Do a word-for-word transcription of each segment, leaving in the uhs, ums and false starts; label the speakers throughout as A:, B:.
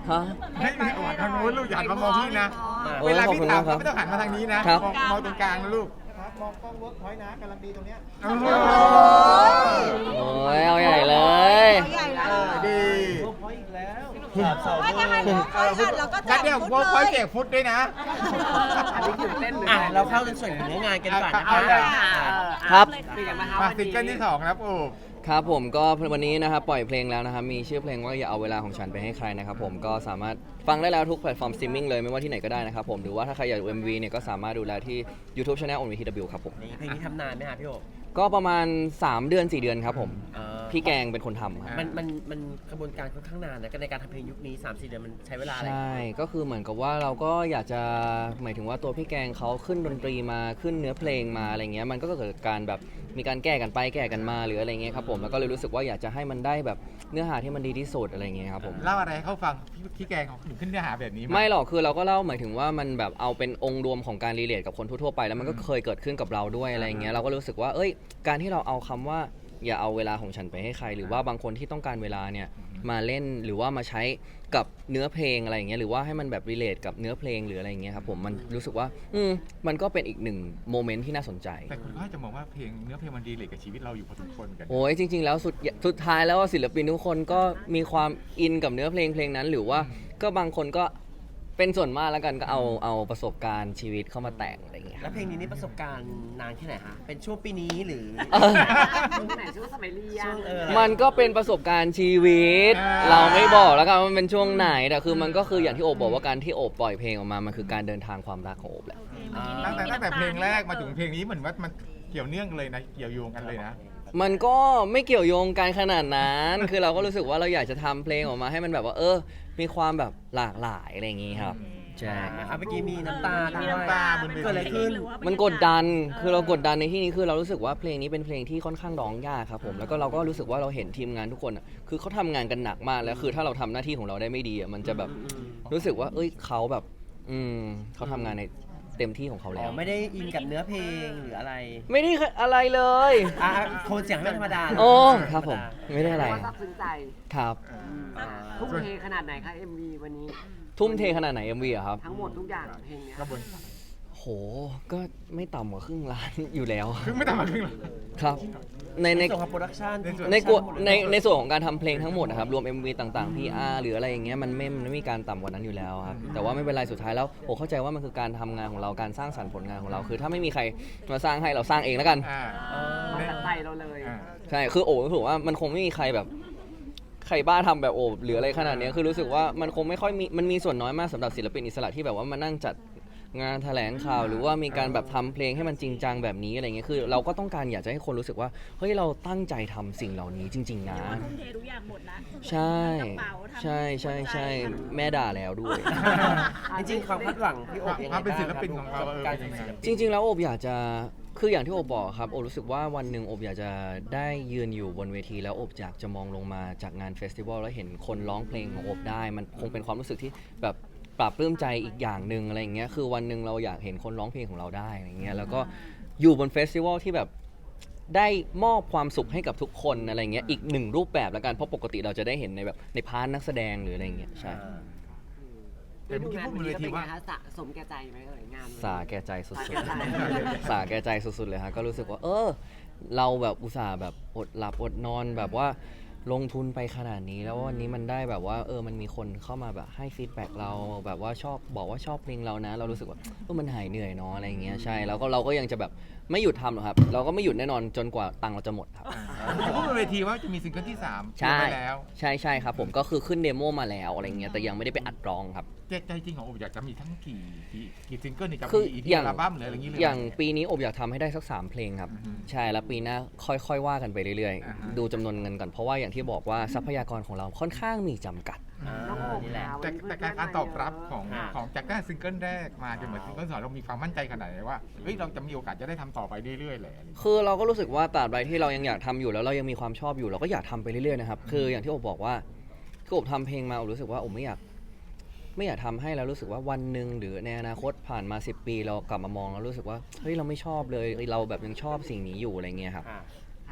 A: ฮะ
B: ให้ไม่ออกทางโน้นลูกอย่าหันมามองพี่นะ
A: โอ้ย
B: เวลา
A: ขอบ
B: พี่
A: คุณ
B: ถาม
A: ครับ
B: ไม่ต้องหันมาทางนี้นะครับ มองมองตรงกลางนะลูก
C: ครับมองกล้องเวิร์กพอยต์นะกำลังดีตรงเนี้ย
B: โอ้โห
A: โอ้ยเอาใหญ่เลย
D: ใหญ่แล้ว
B: เออดี
C: เวิร์กพอยต์อีกแล้ว
D: ว่าจะหันมองค่อยหันแล้วก็แจ
B: งั้น
D: ก
B: เดี๋ยว
D: ฟุต
B: โว้ย
D: เล
B: คอย
D: ย
B: แจกฟุตด้วยนะ
E: อันนี้ตื่นเต้นเลย
C: อ่ะเราเข้าในส่วนของเนื้องานกันก่อนนะ
B: เอา
C: คะ
B: เลย
A: ครับ
E: เป็นไงบ้างคะ
B: มา
E: วัน
B: ซิง
E: นี้
B: เกิลที่สองนะครับโอ้
A: ครับผมก็วันนี้นะครับปล่อยเพลงแล้วนะครับมีชื่อเพลงว่าอย่าเอาเวลาของฉันไปให้ใครนะครับผมก็สามารถฟังได้แล้วทุกแพลตฟอร์มสตรีมมิ่งเลยไม่ว่าที่ไหนก็ได้นะครับผมหรือว่าถ้าใครอยากดู เอ็ม วี เนี่ยก็สามารถดูแลที่ YouTube Channel โอ วี ที ดับเบิลยู ครับผม
C: นี่เพลงนี้ทำนานไหมฮะพี่โอ
A: ก็ประมาณสามเดือนสี่เดือนครับผม
C: เอ่อ
A: พี่แกงเป็นคนทำครับ
C: มันมันมันกระบวนการค่อนข้างนานนะในการทำเพลงยุคนี้ สามสี่ เดือนมันใช้เวลาอะไร
A: ใช่ก็คือเหมือนกับว่าเราก็อยากจะหมายถึงว่าตัวพี่แกงเขาขึ้นดนตรีมาขึ้นเนื้อเพลงมาอะไรเงี้ยมันก็เกิดการแบบมีการแก้กันไปแก้กันมาหรืออะไรเงี้ยครับผมแล้วก็เลยรู้สึกว่าอยากจะให้มันได้แบบเนื้อหาที่มันดีที่สุดอะไรเงี้ยครับผม
B: เล่าอะไรให้เขาฟังพี่พี่แกงเขาถึงขึ้นเนื้อหาแบบนี้า
A: ไม่หรอกคือเราก็เล่าหมายถึงว่ามันแบบเอาเป็นองค์รวมของการรีเลทกับคนทั่วๆไปแล้วมันก็เคยเกิดขึ้นกับเราด้วยอะไรเงี้ยเราก็รู้สึกว่าเอ้ยการที่เราเอาคำว่าอย่าเอาเวลาของฉันไปให้ใคร หรือว่าบางคนที่ต้องการเวลาเนี่ยมาเล่นหรือว่ามาใช้กับเนื้อเพลงอะไรอย่างเงี้ยหรือว่าให้มันแบบรีเลทกับเนื้อเพลงหรืออะไรอย่างเงี้ยครับผมมันรู้สึกว่าอืมมันก็เป็นอีกหนึ่งโมเมนต์ที่น่าสนใจ
B: แต่คุณก็จะมองว่าเพลงเนื้อเพลงมันดีเลยกับชีวิตเราอยู่พอสมควรเหมือนกัน
A: โอ้ยจริง ๆ แล้วสุดสุดท้ายแล้วศิลปินทุกคนก็มีความอินกับเนื้อเพลงเพลงนั้น หรือว่าก็บางคนก็เป็นส่วนมากแล้วกันก็เอาเอาประสบการณ์ชีวิตเข้ามาแต่งอะไรอย่างเงี้ย
C: แล้วเพลงนี้นี่ประสบการณ์นานแค่ไหนฮะเป็นช่วงปีนี้หรือ
A: เออ
E: ช่วงไหนช่วงสมัยเรีย
C: ช่
E: น
C: วงเออ
A: มันก็เป็นประสบการณ์ชีวิต เราไม่บอกแล้วกันว่ามันเป็นช่วงไหนแต่คือมันก็คืออย่างที่โอบบอกว่าการที่โอบปล่อยเพลงออกมามันคือการเดินทางความรักของโอบแหละ
C: อ่า
B: ตั้งแต่ตั้งแต่เพลงแรกมาถึงเพลงนี้เหมือนว่ามันเกี่ยวเนื่องเลยนะเกี่ยวโยงกันเลยนะ
A: มันก็ไม่เกี่ยวโยงกันขนาดนั้น คือเราก็รู้สึกว่าเราอยากจะทำเพลงออกมาให้มันแบบว่า เออ มีความแบบหลากหลายอะไรอย่างงี้ครับใช่
C: อ่ะเมื่อกี้มีน้ำตาด้วย
B: มีน้ำตาบนเวที
C: เกิดอะไรขึ้น
A: มันกดดัน คือเรากดดันในที่นี้คือเรารู้สึกว่าเพลงนี้เป็นเพลงที่ค่อนข้างร้องยากครับผม แล้วก็เราก็รู้สึกว่าเราเห็นทีมงานทุกคนอะคือเขาทำงานกันหนักมาก แล้วคือถ้าเราทำหน้าที่ของเราได้ไม่ดีอะมันจะแบบรู้สึกว่า เอ้ยเขาแบบ อืมเขาทำงานในเต็มที่ของเขา
C: อ๋
A: แล้
C: อ
A: ว
C: ไม่ได้อินกับเนื้อเพลงหรืออะไร
A: ไม่ได้อะไรเลย
C: อ่ะโทนเสียงไม่ธรรมดา
A: โอ้ครับผม ไม่ได้อะไร
E: ว่าซาบซึ้งใจ
A: ครับ
C: อ่า
E: ทุ่มเทขนาดไหนคะ เอ็ม วี วันนี้
A: ทุ่มเทขนาดไหน เอ็ม วีอะครับ
E: ทั้งหมดทุกอย่างเพลงเนี้ย
B: กระบวน
A: โห ก็ไม่ต่ำกว่าครึ่งล้าน อยู่แล้ว
B: คือไม่ต่างกันครึ่งหรอก
A: ครับ ใน
C: ใน
A: ใน
C: ส่วนของโปรดักชัน
B: ในส่วน
A: ในกวในในส่วนของการทำเพลงทั้งหมดนะครับรวม เอ็ม วี ต่างๆ พี อาร์ หรืออะไรอย่างเงี้ยมันไม่มันไม่มีการต่ำกว่านั้นอยู่แล้วครับแต่ว่าไม่เป็นไรสุดท้ายแล้วผมเข้าใจว่ามันคือการทำงานของเราการสร้างสรรค์ผลงานของเราคือถ้าไม่มีใครมาสร้างให้เราสร้างเองแล้วกัน
B: อ่า
E: มาตัดใจเราเลย
B: อ่า
A: ใช่คือโอ้รู้สึกว่ามันคงไม่มีใครแบบใครบ้าทำแบบโอบหรืออะไรขนาดเนี้ยคือรู้สึกว่ามันคงไม่ค่อยมีมันมีส่วนน้อยมากสำหรับศิลปินอิสระที่แบบว่ามานั่งจัดงานแถลงข่าว หรือว่ามีการแบบทำเพลงให้มันจริงจังแบบนี้อะไรเงี้ยคือเราก็ต้องการอยากจะให้คนรู้สึกว่าเฮ้ยเราตั้งใจทำสิ่งเหล่านี้จริง ๆ นะ
D: ทุ่มเททุกอย่างหมดนะ
A: ใช่
D: กระเป๋าทำ
A: ใช่ใช่ใช่แม่ด่าแล้วด้วย
C: จริงๆความคาดหวังพี่โอบยังไง
B: ความเป็น
C: บ้าง
B: ศิลปินของเรา
C: กับ
B: เออ
C: การ
B: เป็น
C: เป็น
B: ยังไง
C: ศิลปิน
A: จริง ๆ แล้วโอบอยากจะคืออย่างที่โอบบอกครับโอบรู้สึกว่าวันหนึ่งโอบอยากจะได้ยืนอยู่บนเวทีแล้วโอบอยากจะมองลงมาจากงานเฟสติวัลแล้วเห็นคนร้องเพลงของโอบได้ มันคงเป็นความรู้สึกที่แบบปรับปลื้มใจอีกอย่างหนึ่งอะไรอย่างเงี้ยคือวันหนึ่งเราอยากเห็นคนร้องเพลงของเราได้อะไรเงี้ยแล้วก็อยู่บนเฟสติวัลที่แบบได้มอบความสุขให้กับทุกคนอะไรเงี้ยอีกหนึ่งรูปแบบแล้วกันเพราะปกติเราจะได้เห็นในแบบในพาร์ทนักแสดงหรืออะไรเงี้ยใช่
B: แต่เมื่อกี้
E: งาน
B: พูด
E: วัน
B: บน
E: นี้
B: เว
E: ก็
B: ที
E: เป็นไง
B: ว่า
E: คะสะสมแก่ใจไหมเอ่ยงาน
A: สาแก่ใจสุด
E: สาแก่ใจ
A: ๆ สาแก่ใจสุดๆเลยฮะก็รู้สึกว่า เออ เราแบบอุตส่าห์แบบอดหลับอดนอนแบบว่าลงทุนไปขนาดนี้แล้ววันนี้มันได้แบบว่าเออมันมีคนเข้ามาแบบให้ฟีดแบ็กเราแบบว่าชอบบอกว่าชอบเพลงเรานะ เรารู้สึกว่าเออมันหายเหนื่อยเนาะอะไรอย่างเงี้ยใช่แล้วก็เราก็ยังจะแบบไม่หยุดทำหรอกครับ เราก็ไม่หยุดแน่นอนจนกว่าตังค์เราจะหมดครับ
B: พูดบนเวทีว่าจะมีซิงเกิลที่สาม
A: ใช่
B: ไปแล้ว
A: ใช่ใช่ครับผมก็คือขึ้นเดโมมาแล้วอะไรเงี้ยแต่ยังไม่ได้ไปอัดร้องครับ
B: ใจใจจริงของโอบอยากจะมีทั้งกี่กี่กี่ซิงเกิลนี่จะ
A: คือ
B: มีอี
A: อย่าง
B: อัลบั้มหรืออะไรอย่างงี้เลย
A: อย่างปีนี้อบอยากทำให้ได้สักสามเพลงครับ
B: อือฮึ
A: ใช่แล้วปีหน้าค่อยๆว่ากันไปเรื่อย
B: อ่าฮะ
A: ๆ ดูจำนวนเงินก่อนเพราะว่าอย่างที่บอกว่าทรัพยากรของเราค่อนข้างมีจำกัด
C: อ่า
E: น้องโอบ
C: นี่แหละ
E: ค่ะ
B: แต่
E: วันนี้
B: แต่
E: เพื่อนๆ
B: การตอบรับของ
C: อ่า
B: ของจากได้ซิงเกิลแรกมาจนเหมือนซิงเกิลสองเรามีความมั่นใจขนาดไหนว่าเฮ้ยเราจะมีโอกาสจะได้ทำต่อไปเรื่อยๆเลยอะไรอย่างเงี้ย
A: คือเราก็รู้สึกว่าตราบใดที่เรายังอยากทำอยู่แล้วเรายังมีความชอบอยู่เราก็อยากทำไปเรื่อยๆนะครับคืออย่างที่อบบอกว่าคืออบทำเพลงมาอบรู้สึกว่าอบไม่อยากไม่อยากทำให้แล้วรู้สึกว่าวันหนึ่งหรือในอนาคตผ่านมาสิบปีเรากลับมามองแล้วรู้สึกว่าเฮ้ยเราไม่ชอบเลยเอ้ยเราแบบยังชอบสิ่งนี้อยู่อะไรเงี้ยครับ
C: อ่า
E: ค่ะ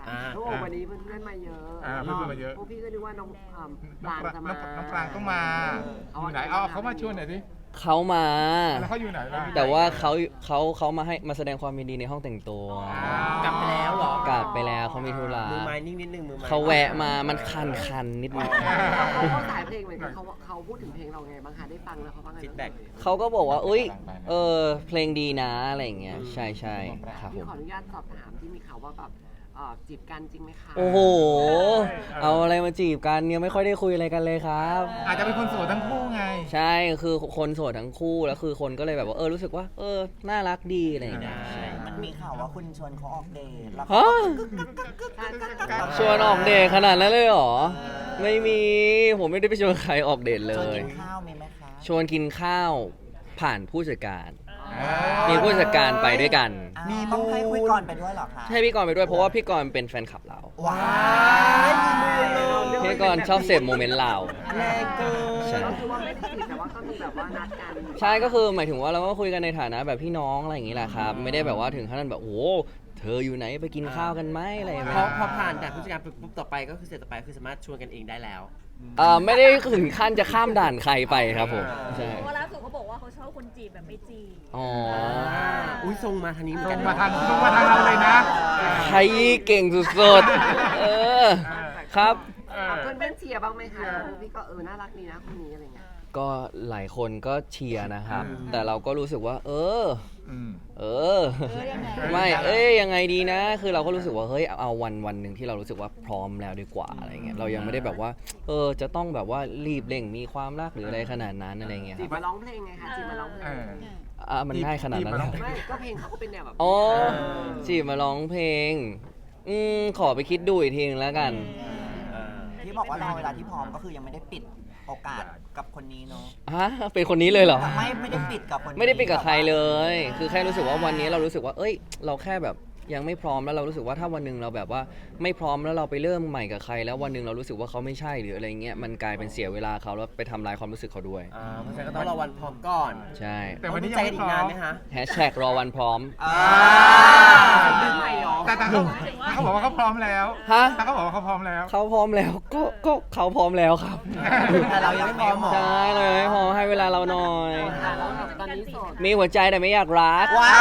C: อ่า
E: โอ้วันนี้เพื่อนๆมาเยอะ
B: อ่าเพื่อนๆมาเยอะ
E: พวกพี่ก็นึกว่าน้องอ่าป
B: น้อง
E: ราง
B: ปราง
E: จะ
B: น้
E: มา
B: องน้องปรางต้องมาอยู่ไหนเอาเขามาชวนหน่อยดิ
A: เขามา
B: แล้วเขาอยู่ไหนล่ะ
A: แต่ว่าเขาเขาเขามาให้มาแสดงความยินดีในห้องแต่งตัว
C: กลับไปแล้วเหรอก
A: ลับไปแล้วเขามีธุระ
C: มือไม้นิ่งนิดนึงมือไม้
A: เขาแวะมามันคันคันๆนิดนึง
E: เขาสายเพลงเหมือนกันเขาเขาพูดถึงเพลงเราไงบ้างคะได้ฟังแล้วเขาว่าไง
C: ฟีดแบ็ก
A: เขาก็บอกว่าอุ้ยเออเพลงดีนะอะไรอย่างเงี้ยใช่ใช่ครับผ
E: พี่
A: ม
E: ขออนุญาตสอบถามที่มีข่าวว่าแบบเอ่อจีบกันจริงไหมคะ
A: โอ้โห เอาอะไรมาจีบกันเนี่ยไม่ค่อยได้คุยอะไรกันเลยครับ
B: อาจจะเป็นคนโสดทั้งคู่ไง
A: ใช่คือคนโสดทั้งคู่แล้วคือคนก็เลยแบบว่าเออรู้สึกว่า เออน่ารักดีอะไรอย่างเงี้ย
F: มันมีข่าวว่าคุณชวนเขาออกเดทแล้ว
A: ฮะชวนออกเดทขนาดนั้นเลยเหรอ ไม่มีผมไม่ได้ไปชวนใครออกเดทเล
F: ชวน
A: ย
F: กินข้าวมีไหมคะ
A: ชวนกินข้าวผ่านผู้จัดการ มีผู้จัดการไปด้วยกัน
F: มีต้องให้คุยก่อนไปด้วยเหรอคะ
A: ให้พี่กรณ์ไปด้วยเพราะว่าพี่กรณ์เป็นแฟนคลับเรา
F: ว้ายมีมูลเลย
A: พี่กรณ์ชอบเสพโมเมนต์เรา
C: แรงเกิน
A: ใช่
E: ก็คือว่าไม่ได้จีบแต่ว่าก็มีแบบว่านัดกัน
A: ใช่ก็คือหมายถึงว่าเราก็คุยกันในฐานะแบบพี่น้องอะไรอย่างนี้แหละครับ ไม่ได้แบบว่าถึงขั้นแบบโอ้โหเธออยู่ไหนไปกินข้าวกันไหมอะไรอย่าง
C: พ
A: เงี้
C: อย พอผ่านด่านผู้จัดการปุ๊บต่อไปก็คือเสร็จต่อไปคือสามารถชวนกันเองได้แล้ว
A: เอ่อไม่ได้ถึงขั้นจะข้ามด่านใครไปครับผมใช่
D: เพราะล่าสุดเขาบอกว่าเขาชอบคนจีบแบบไม่จีบ
A: อ๋อ
C: อุ้ยทรงมาทางนี้เหมือน
B: ตร
C: กัน
B: งมาทางตรงมาทางเราเลยนะ
A: ใครเก่งสุดๆเออครับ
B: เออ
E: เพื่อนเพื่อนๆเชียร์บ้างไหมคะพี่ก็เออน่ารักดีนะคนนี้อะไรเงี้ย
A: ก็หลายคนก็เชียร์นะครับ แต่เราก็รู้สึกว่า เออ
B: อืม
A: เออ ไม่ เอ้ยยังไงดีนะ คือเราก็รู้สึกว่า เฮ้ย เอาวันวันหนึ่งที่เรารู้สึกว่าพร้อมแล้วดีกว่าอะไรเงี้ย เรายังไม่ได้แบบว่า เออ จะต้องแบบว่ารีบเร่งมีความรักหรืออะไรขนาดนั้นอะไรเงี้ยค
E: จี
A: รั
E: บบ มาร้องเพลงไงคะจีบมาร้องเพล
B: เอง อ
A: อ่ะมันง่ายขนาดนั้น
B: จีบมาร้อง
A: เลย
E: ไม่ก็เพลงเขาก็เป็นแนวแบบ
A: อ๋อจีบมาร้องเพลง อืม ขอไปคิดดูอีกทีนึงแล้วกัน
F: ที่บอกว่ารอเวลาที่พร้อมก็คือยังไม่ได้ปิดโอกาสกับคนนี้เนาะ
A: ฮะ เป็นคนนี้เลยเหรอ
F: ไม่ไม่ได้ปิดกับคนนี้
A: ไม่ได้ปิดกับใครเลย คือแค่รู้สึกว่าวันนี้เรารู้สึกว่า เอ้ย เราแค่แบบยังไม่พร้อมแล้วเรารู้สึกว่าถ้าวันหนึ่งเราแบบว่าไม่พร้อมแล้วเราไปเริ่มใหม่กับใคร แล้ววันหนึ่งเรารู้สึกว่าเขาไม่ใช่หรืออะไรเงี้ย มันกลายเป็นเสียเวลาเขาแล้วไปทำลายความรู้สึกเขาด้วย
C: อ่าเพราะฉะนั้นก็ต้องรอวันพร้อมก่อน
A: ใช่
B: แต่วันนี้
C: ต้
B: ยั
C: อง ง
B: ไม่
C: ดูใจกันอีกนานไหมคะ
A: แฮชแท็กรอวันพร้อม
F: อ่า
E: เป็นใหม่หรอ
B: แต่แต่เขาเขาบอกว่าเขาพร้อมแล้ว
A: ฮะ
B: แต่เขาบอกว่าเขาพร้อมแล้ว
A: เขาพร้อมแล้ว ก็ ก็เขาพร้อมแล้วครับ
F: แต่เรายังไม่พร้อมหรอ
A: ใช่เลยไม่พอให้เวลาเราหน่อย
E: ค่ะแล้วแบบตอนนี้โสด
A: มีหัวใจแต่ไม่อยากรัก
F: ว้าว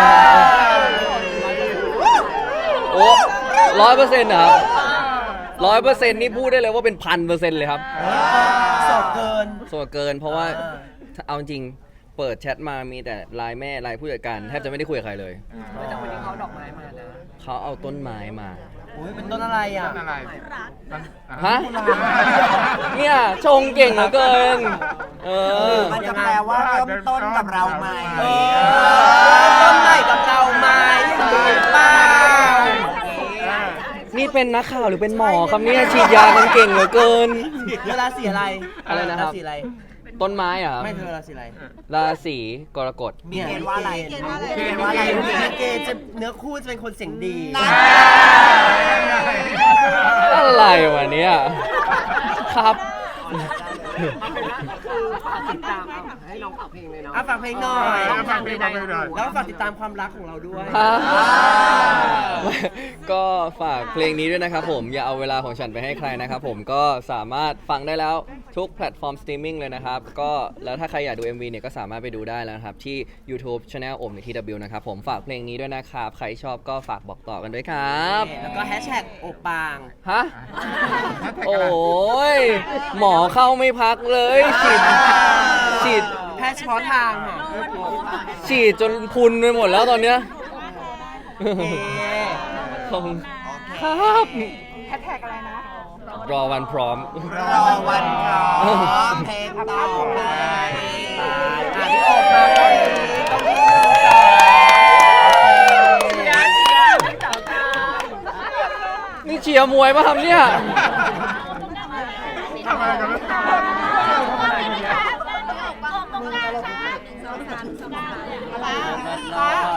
A: โอ้ร้อยเปอร์เซ็นต์ครับร้อยเปอร์เซ็นต์นี่พูดได้เลยว่าเป็นพันเปอร์เซ็นต์เลยครับ
C: โสดเกิน
A: โสดเกินเพราะว่า
C: อ่า
A: ถ้าเอาจริงเปิดแชทมามีแต่ไลน์แม่ไลน์ผู้จัดการแทบจะไม่ได้คุยกับใครเลย
E: แต่วันนี้เขาดอกไม้มานะ
A: เขาเอาต้นไม้มา
C: อุ้ยเป็นต้นอะไรอ่ะ
B: นั่นอะไร
D: รัก
B: นั่น
A: ฮะ เนี่ยชงเก่งเหลือเกิน เออ
F: มันจะแปลว่าเริ่มต้นกับเราใหม่
C: เออต้นใหม่กับเราไหมหรือเปล่า
A: นี่เป็นนักข่าวหรือเป็นหมอครับเนี่ยฉีดยากันเก่งเหลือเกิน
C: เวลาสีอะไร
A: อะไรนะครับ
C: าศีอะไร
A: ต้นไม้เหรอะ
C: ไม่เธอราศีอะไร
A: ราศีกรกฎ
F: มีเกณฑ์ว่าอะไร
C: เกณฑ์
F: เกณฑ์ว่าอะไร
C: มีเกณฑ์จะเนื้อคู่จะเป็นคนเสียงดี
A: อะไรวะเนี่ยครับ
E: เอาเป็นว่าคือฝากติดตามเอาให้น้องฝากเพลงเลยเนาะ
C: อ่ะฝากเพลงหน่อย
B: เอาฟังเพลงฟังเพลงหน่อย
C: แล้วก็ฝากติดตามความรักของเราด้วย
A: ฮะก็ฝากเพลงนี้ด้วยนะครับผมอย่าเอาเวลาของฉันไปให้ใครนะครับผมก็สามารถฟังได้แล้วทุกแพลตฟอร์มสตรีมมิ่งเลยนะครับก็แล้วถ้าใครอยากดู เอ็ม วี เนี่ยก็สามารถไปดูได้แล้วนะครับที่ YouTube Channel โอมใน ที ดับเบิลยู นะครับผมฝากเพลงนี้ด้วยนะครับใครชอบก็ฝากบอกต่อกันด้วยครับ
C: แล้วก็แฮชแท็กโอปาง
A: ฮะโอ้ยหมอเข้าไม่พักเลยฉีดฉีด
C: แพทย์เฉพาะทางค่ะ
A: ฉีดจนพุนไปหมดแล้วตอนเนี้ย
C: เอ๊ะ
A: ขอบคุณครับ
D: แฮชแท็กอะไรนะ
A: รอวันพร้อม
F: รอวันพร้อมเพลงต่อไป
C: อ่ะพี่โอปางเลยต้องมี
A: นี่เชียร์มวยป่ะครับเนี่ย
B: ทำอะไรกันลูก
D: ตรงกลางค่ะสองสามสองสาม